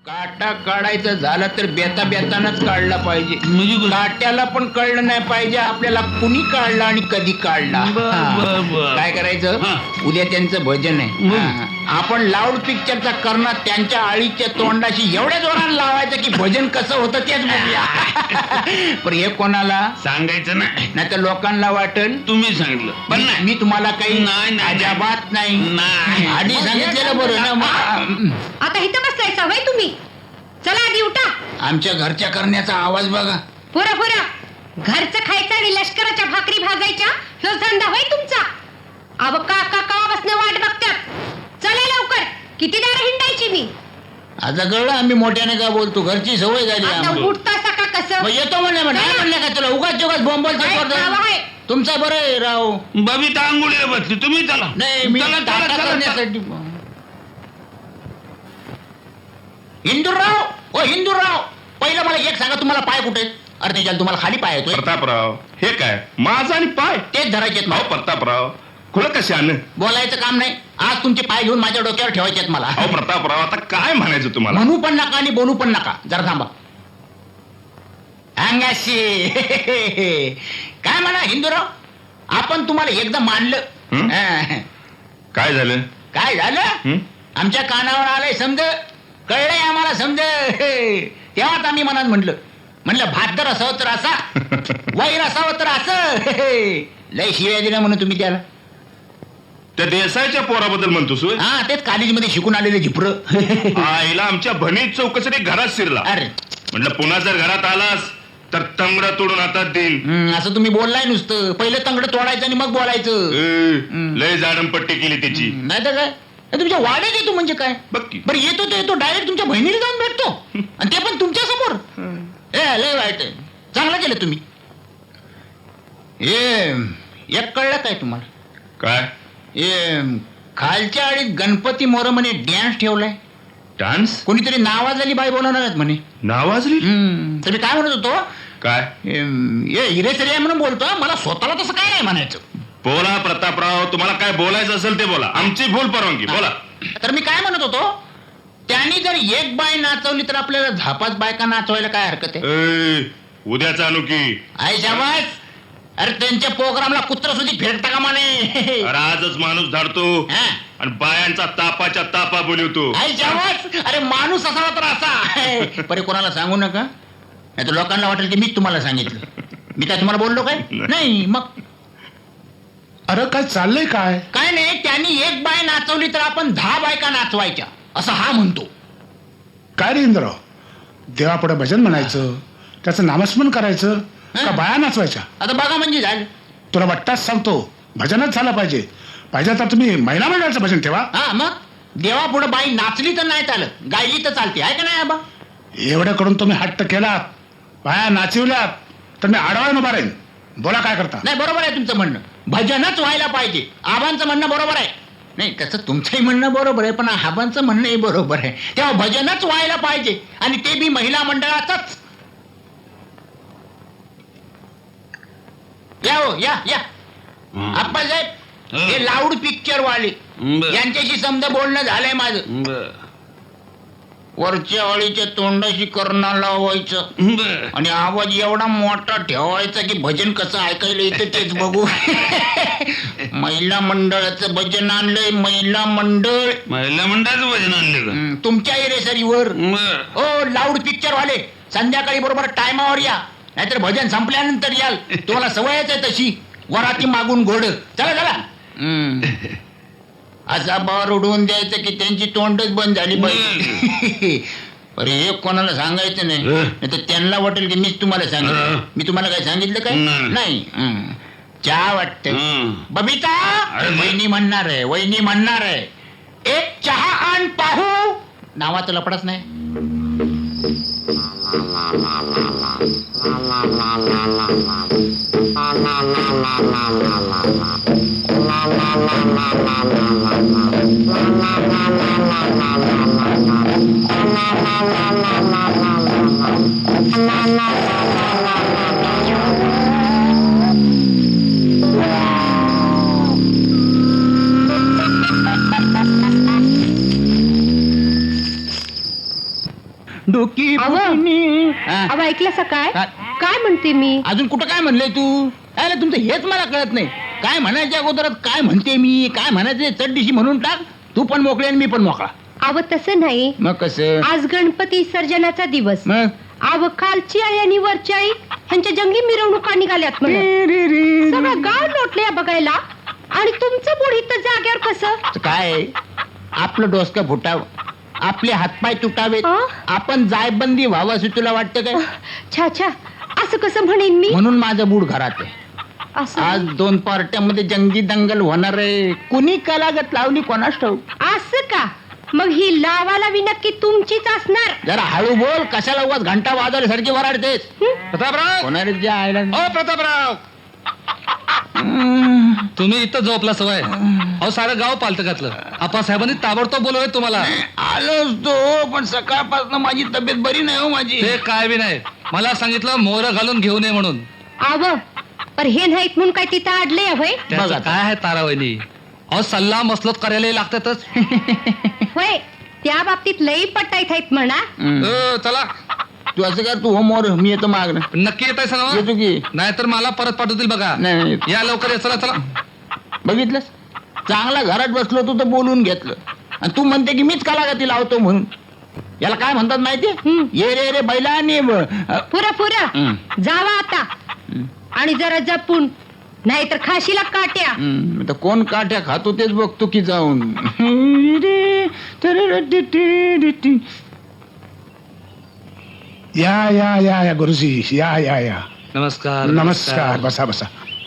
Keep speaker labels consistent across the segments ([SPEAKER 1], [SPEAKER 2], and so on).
[SPEAKER 1] काटा काढायचं झालं तर बेता बेतानच काढला पाहिजे.
[SPEAKER 2] म्हणजे
[SPEAKER 1] काट्याला पण कळलं नाही पाहिजे आपल्याला कुणी काढला आणि कधी काढला. हा. काय करायचं
[SPEAKER 2] हा.
[SPEAKER 1] उद्या त्यांचं भजन आहे. हा. आपण लाऊड पिक्चरचा करणार त्यांच्या आळीच्या तोंडाशी एवढ्या जोरानं लावायचं की भजन कसं होतं तेच बघूया. पण हे कोणाला
[SPEAKER 2] सांगायचं
[SPEAKER 1] नाही तर लोकांना वाटेल
[SPEAKER 2] तुम्ही सांगितलं पण नाही.
[SPEAKER 1] मी तुम्हाला काही
[SPEAKER 2] नाही, नाही.
[SPEAKER 1] अजाबात नाही
[SPEAKER 2] नाही.
[SPEAKER 1] आधी सांगितलेलं बरं ना. मग
[SPEAKER 3] आता इथं बसलाय सवय तुम्ही. चला आधी उठा.
[SPEAKER 1] आमच्या घरच्या करण्याचा आवाज बघा.
[SPEAKER 3] पुरा घरचं खायचं आणि लष्कराच्या भाकरी भाजायच्या ह्यो धंदा होय तुमचा. अव काका कावापासून वाट बघतात. चला लवकर. किती दार हिंडायची मी.
[SPEAKER 1] आता कळलं आम्ही मोठ्याने का बोलतो. घरची सवय झाली
[SPEAKER 3] आता
[SPEAKER 1] आम्हाला.
[SPEAKER 3] उठतासा का कसं.
[SPEAKER 1] मग येतो म्हणले नाही म्हणले का तुला उगाच उगाच बोंबल
[SPEAKER 3] काय नाव आहे?
[SPEAKER 1] तुमचा बरं आहे राव.
[SPEAKER 2] बबिता आंघोळीला बसली तुम्ही चला.
[SPEAKER 1] नाही मी
[SPEAKER 2] चला, चला,
[SPEAKER 1] टाटा
[SPEAKER 2] चला, चला.
[SPEAKER 1] करण्यासाठी. हिंदूराव ओ हिंदूराव पहिलं मला एक सांगा तुम्हाला पाय कुठे आहेत? अरे त्याच्यात तुम्हाला खाली पाय येतोय.
[SPEAKER 4] प्रतापराव हे काय माझा आणि पाय
[SPEAKER 1] तेच धरायचे आहेत
[SPEAKER 4] अहो
[SPEAKER 1] मला.
[SPEAKER 4] प्रतापराव खुलं कशानं
[SPEAKER 1] बोलायचं काम नाही. आज तुमचे पाय घेऊन माझ्या डोक्यावर ठेवायचे आहेत मला.
[SPEAKER 4] अहो प्रतापराव आता काय म्हणायचं तुम्हाला
[SPEAKER 1] म्हणू पण नका आणि बोलू पण नका. जरा थांबा. अंगाशी काय म्हणा हिंदूराव आपण तुम्हाला एकदा मानलं.
[SPEAKER 4] हं?
[SPEAKER 1] हा.
[SPEAKER 4] काय झालं
[SPEAKER 1] काय झालं
[SPEAKER 4] हं?
[SPEAKER 1] आमच्या कानावर आलंय समज. कळलंय आम्हाला समज. तेव्हाच आम्ही मनात म्हणलं भात जर असावं तर असा वैर असावं तर असं. लय शिव्या दिल्या म्हणून तुम्ही त्याला.
[SPEAKER 4] त्या देसाईच्या पोराबद्दल म्हणतोस होय?
[SPEAKER 1] हा तेच कॉलेजमध्ये शिकून आलेले झिपर.
[SPEAKER 4] आईला आमच्या भनीत चौकसाठी घरात शिरला.
[SPEAKER 1] अरे
[SPEAKER 4] म्हटलं पुन्हा जर घरात आलास तर तंगडा तोडून हातात देईन.
[SPEAKER 1] असं तुम्ही बोललाय नुसतं. पहिलं तंगड तोडायचं आणि मग बोलायचं.
[SPEAKER 4] लय जाडमपट्टी केली त्याची.
[SPEAKER 1] नाही तर काय तुमच्या वाड्यात येतो म्हणजे काय.
[SPEAKER 4] बघ की.
[SPEAKER 1] बरं येतो तो येतो डायरेक्ट तुमच्या बहिणीला जाऊन भेटतो आणि ते पण तुमच्या समोर. लय वाईट आहे. चांगलं केलं तुम्ही. एक कळलं काय तुम्हाला.
[SPEAKER 4] काय
[SPEAKER 1] खालच्या आळीत गणपती मोर म्हणे डॅन्स ठेवलाय.
[SPEAKER 4] डान्स
[SPEAKER 1] कोणीतरी नावाजली बाई बोलवणार आहेत म्हणे.
[SPEAKER 4] नावाजली
[SPEAKER 1] तर मी काय म्हणत होतो
[SPEAKER 4] काय
[SPEAKER 1] हिरेसरी आहे म्हणून बोलतो. मला स्वतःला तसं काय नाही म्हणायचं.
[SPEAKER 4] बोला प्रतापराव तुम्हाला काय बोलायचं असेल ते बोला. आमची भूल परवानगी बोला.
[SPEAKER 1] तर मी काय म्हणत होतो त्यांनी जर एक बाय नाचवली तर आपल्याला झापाच बायका नाचवायला काय हरकत आहे.
[SPEAKER 4] उद्याचा आणू की
[SPEAKER 1] आई शाबास. अरे त्यांच्या प्रोग्रामला कुत्र सुद्धा फेडता का म्हणे.
[SPEAKER 4] अरे आजच माणूस धाडतो
[SPEAKER 1] हा?
[SPEAKER 4] आणि बायांचा तापाच्या तापा बोलवतो.
[SPEAKER 1] आई शाबास. अरे माणूस असावा तर असा. परे कोणाला सांगू नका नाही तर लोकांना वाटेल की मीच तुम्हाला सांगितलं. मी काय तुम्हाला बोललो काय नाही. मग
[SPEAKER 5] अरे काय चाललंय काय.
[SPEAKER 1] काय नाही त्यांनी एक बाय नाचवली तर आपण 10 बायका नाचवायच्या असं हा म्हणतो.
[SPEAKER 5] काय रे इंद्रराव देवापुढे भजन म्हणायचं त्याचं नामस्मरण करायचं का बाया नाचवायच्या.
[SPEAKER 1] आता बघा म्हणजे झालं.
[SPEAKER 5] तुला वाटताच सांगतो भजनच झालं पाहिजे तर तुम्ही महिला मंडळाचं भजन ठेवा.
[SPEAKER 1] हा मग देवा पुढे बाई नाचली तर नाही चालत गायली तर चालते आहे का नाही आबा.
[SPEAKER 5] एवढं करून तुम्ही हट्ट केलात बाया नाचवल्यात तर मी आडवाळून उभा राहीन. बोला काय करता.
[SPEAKER 1] नाही बरोबर आहे तुमचं म्हणणं. भजनच व्हायला पाहिजे. आबांचं म्हणणं बरोबर आहे. नाही तसं तुमचंही म्हणणं बरोबर आहे पण आबांचं म्हणणंही बरोबर आहे. तेव्हा भजनच व्हायला पाहिजे आणि ते बी महिला मंडळाचंच. या हो या या आप्पासाहेब हे लाऊड पिक्चर वाले यांच्याशी समजा बोलणं झालंय माझं. वरच्या अळीच्या तोंडाशी करणं लावायचं आणि आवाज एवढा मोठा ठेवायचा की भजन कसं ऐकायला येतं तेच बघू. महिला मंडळाचं भजन आणलंय. महिला
[SPEAKER 2] मंडळाचं भजन आणले का.
[SPEAKER 1] तुमच्या एरेसरीवर. ओ लाऊड पिक्चर वाले संध्याकाळी बरोबर टायमावर या नाहीतर भजन संपल्यानंतर याल. तुम्हाला सवयच आहे तशी वराती मागून घोड. चला चला. असा बार उडवून द्यायचं की त्यांची तोंडच बंद झाली पाहिजे. अरे हे कोणाला सांगायचं नाही तर त्यांना वाटेल की मीच तुम्हाला सांगितलं. मी तुम्हाला काय सांगितलं काय नाही. चहा वाटतं बबिता. वहिनी म्हणणार आहे वहिनी म्हणणार आहे. एक चहा आण पाहू. नावाचं लपडच नाही. डोकी
[SPEAKER 3] अहो.
[SPEAKER 1] फुटणी. हा.
[SPEAKER 3] अहो ऐकलं सकाळ
[SPEAKER 1] काय?
[SPEAKER 3] काय म्हणते मी
[SPEAKER 1] अजून कुठं काय म्हणलंय तू? अरे तुमचं हेच मला कळत नाही. काय म्हणायच्या अगोदरात काय म्हणते मी, काय म्हणायचे चड्डीशी म्हणून टाक. तू पण मोकळे आणि मी पण मोकळा.
[SPEAKER 3] अव तसं नाही.
[SPEAKER 1] मग कसं?
[SPEAKER 3] आज गणपती विसर्जनाचा दिवस.
[SPEAKER 1] मग
[SPEAKER 3] अव खालची आई आणि वरची आई ह्यांच्या जंगी मिरवणुका निघाल्यात म्हणून सगळं गाव लोटले बघायला आणि तुमचं बुड इथं जाग्यावर कसं?
[SPEAKER 1] काय आपलं डोसकं फुटावं, आपले हातपाय तुटावेत,
[SPEAKER 3] हा?
[SPEAKER 1] आपण जायबंदी व्हावं असं तुला वाटतं काय?
[SPEAKER 3] छा छा असं कसं म्हणेन मी?
[SPEAKER 1] म्हणून माझं बूड घरात आहे.
[SPEAKER 3] असं
[SPEAKER 1] आज 2 पार्ट्यामध्ये जंगी दंगल होणार आहे. कुणी कलागत लावली कोणास ठाऊक.
[SPEAKER 3] असं का? मग ही लावाला नक्की तुमचीच असणार.
[SPEAKER 1] जरा हळू बोल, कशाला उगाच घंटा वाजवल्यासारखी वराडतेस.
[SPEAKER 6] प्रतापराव
[SPEAKER 1] होणारे जे आयला
[SPEAKER 6] ओ प्रतापराव तुम्ही इथं झोपला सवय अहो सारं गाव पालतं घातलं. आप्पासाहेबांनी ताबडतोब बोलवलंय तुम्हाला.
[SPEAKER 1] आलोच तो, पण सकाळपासून माझी तब्येत बरी नाही हो माझी.
[SPEAKER 6] ते काय बी नाही, मला सांगितलं मोहर घालून घेऊन ये म्हणून.
[SPEAKER 3] आव पर हे नाहीत म्हणून काय तिथं अडले होय?
[SPEAKER 6] त्याचं
[SPEAKER 1] आता.
[SPEAKER 6] काय आहे तारावणी, अहो सल्ला मसलत करायला लागतातच.
[SPEAKER 3] होय त्या बाबतीत लई पटाईत आहेत म्हणा.
[SPEAKER 6] चला
[SPEAKER 1] तू असं कर, तू हो मोर, मी येतो मागणं.
[SPEAKER 6] नक्की येत आहे सांगा,
[SPEAKER 1] येतो की.
[SPEAKER 6] नाहीतर मला परत पाठवतील बघा.
[SPEAKER 1] नाही
[SPEAKER 6] या लवकर या, चला चला.
[SPEAKER 1] बघितलंस, चांगला घरात बसलो तू तर बोलून घेतलं, आणि तू म्हणते की मीच कलागती लावतो म्हणून. याला काय म्हणतात माहितीये? ये रे रे बैला आणि
[SPEAKER 3] पुरा पुरा जावा आता आणि जरा जपून, नाहीतर खाशीला काट्या.
[SPEAKER 1] आता कोण काठ्या खातो तेच बघतो की जाऊन.
[SPEAKER 5] या या या या गुरुजी, या या या.
[SPEAKER 6] नमस्कार
[SPEAKER 5] नमस्कार, बसा बसा.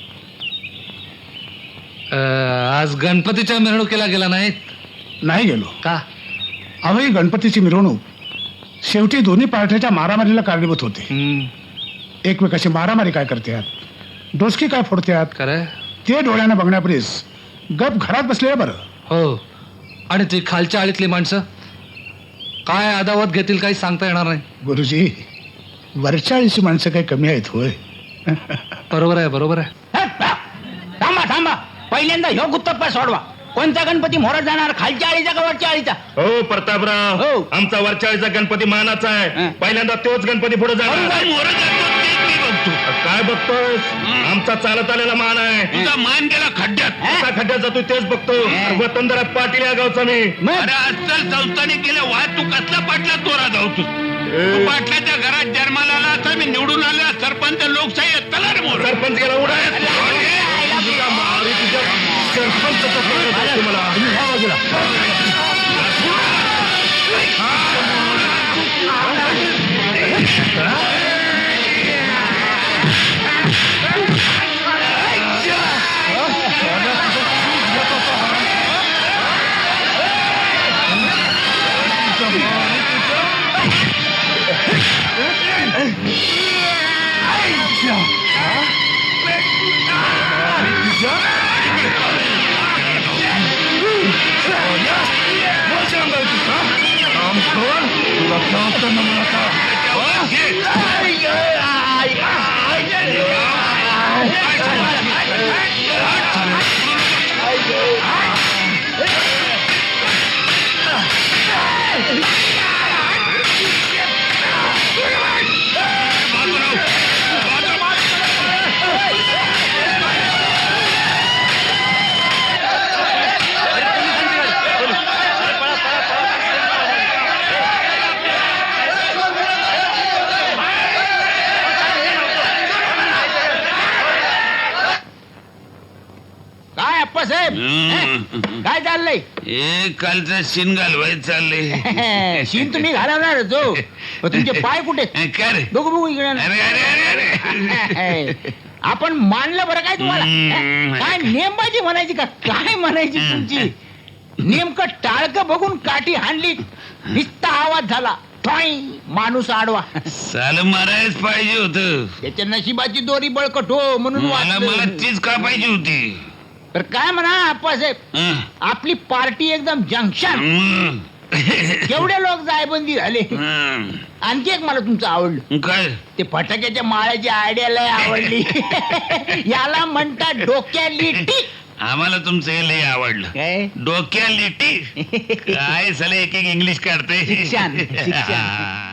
[SPEAKER 6] आज गणपतीच्या मिरवणुकीला गेला नाहीत
[SPEAKER 5] नाही गेलो.
[SPEAKER 6] का?
[SPEAKER 5] अहो ही गणपतीची मिरवणूक शेवटी दोन्ही पार्ट्याच्या मारामारीला कारणीभूत होते. एकमेकाशी मारामारी काय करतात, डोसकी काय फोडतात,
[SPEAKER 6] खरं
[SPEAKER 5] ते डोळ्यानं बघण्यापरीस गप घरात बसलेलं बरं.
[SPEAKER 6] हो. आणि ती खालच्या आळीतली माणसं काय अदावत घेतील काही सांगता येणार नाही.
[SPEAKER 5] गुरुजी, वरच्या आळीची माणसं काही कमी आहेत होय?
[SPEAKER 6] बरोबर आहे बरोबर आहे.
[SPEAKER 1] थांबा थांबा, पहिल्यांदा ह्यो गुत्तप्पा सोडवा. कोणता गणपती मोहरात जाणार, खालच्या आळीचा का वरच्या आळीचा?
[SPEAKER 4] हो प्रतापराव,
[SPEAKER 1] हो.
[SPEAKER 4] आमचा वरचाळीचा गणपती मानाचा आहे.
[SPEAKER 1] हं.
[SPEAKER 4] पहिल्यांदा तोच गणपती पुढे जाणार. काय बघतोस? आमचा चालत आलेला मान आहे.
[SPEAKER 2] तुझा मान गेला खड्ड्यात.
[SPEAKER 4] कसा खड्ड्यात जातो तेच बघतो. वतनदारा पाटील या गावचा मी.
[SPEAKER 2] अरे आजकाल संस्थाने केल्या वाद, तू कसला पाटला चोरा जाऊ तू? तू पाटलाच्या घरात जन्माला आला असता, मी निवडून आला सरपंच, लोकशाही आहे. चला रे मोर.
[SPEAKER 4] सरपंच गेला उडा. सरपंच मला.
[SPEAKER 1] काय अप्पासाहेब, काय चाललंय?
[SPEAKER 2] हे कालचा शिन घालवायचं चाललंय.
[SPEAKER 1] शीन तुम्ही घालवणार जो, तुमचे पाय कुठे?
[SPEAKER 2] काय रे?
[SPEAKER 1] बघू बघू इकडे ना.
[SPEAKER 2] अरे अरे अरे अरे.
[SPEAKER 1] आपण मानलं बरं काय तुम्हाला? काय नेमबाजी म्हणायची का काय म्हणायची तुमची? नेमकं टाळकं बघून काठी हाणली, निस्ता आवाज झाला, ठॉई, माणूस आडवा.
[SPEAKER 2] साल मारायच पाहिजे होत.
[SPEAKER 1] त्याच्या नशिबाची दोरी बळकट हो म्हणून
[SPEAKER 2] मला मला
[SPEAKER 1] वाचलं.
[SPEAKER 2] तीच का पाहिजे होती.
[SPEAKER 1] तर काय म्हणा आप्पासाहेब,
[SPEAKER 2] हं.
[SPEAKER 1] आपली पार्टी एकदम जंक्शन.
[SPEAKER 2] हं.
[SPEAKER 1] केवढे लोक जायबंदी झाले.
[SPEAKER 2] हं.
[SPEAKER 1] आणखी एक मला तुमचं आवडलं,
[SPEAKER 2] काय?
[SPEAKER 1] ते फटाक्याच्या माळ्याची आयडिया लय आवडली. याला म्हणतात डोक्याली टीक.
[SPEAKER 2] आम्हाला तुमचं हे लय आवडलं.
[SPEAKER 1] काय
[SPEAKER 2] डोक्या लिटी काय साले एक एक इंग्लिश काढते.
[SPEAKER 1] शिक्षण, शिक्षण.
[SPEAKER 2] हा.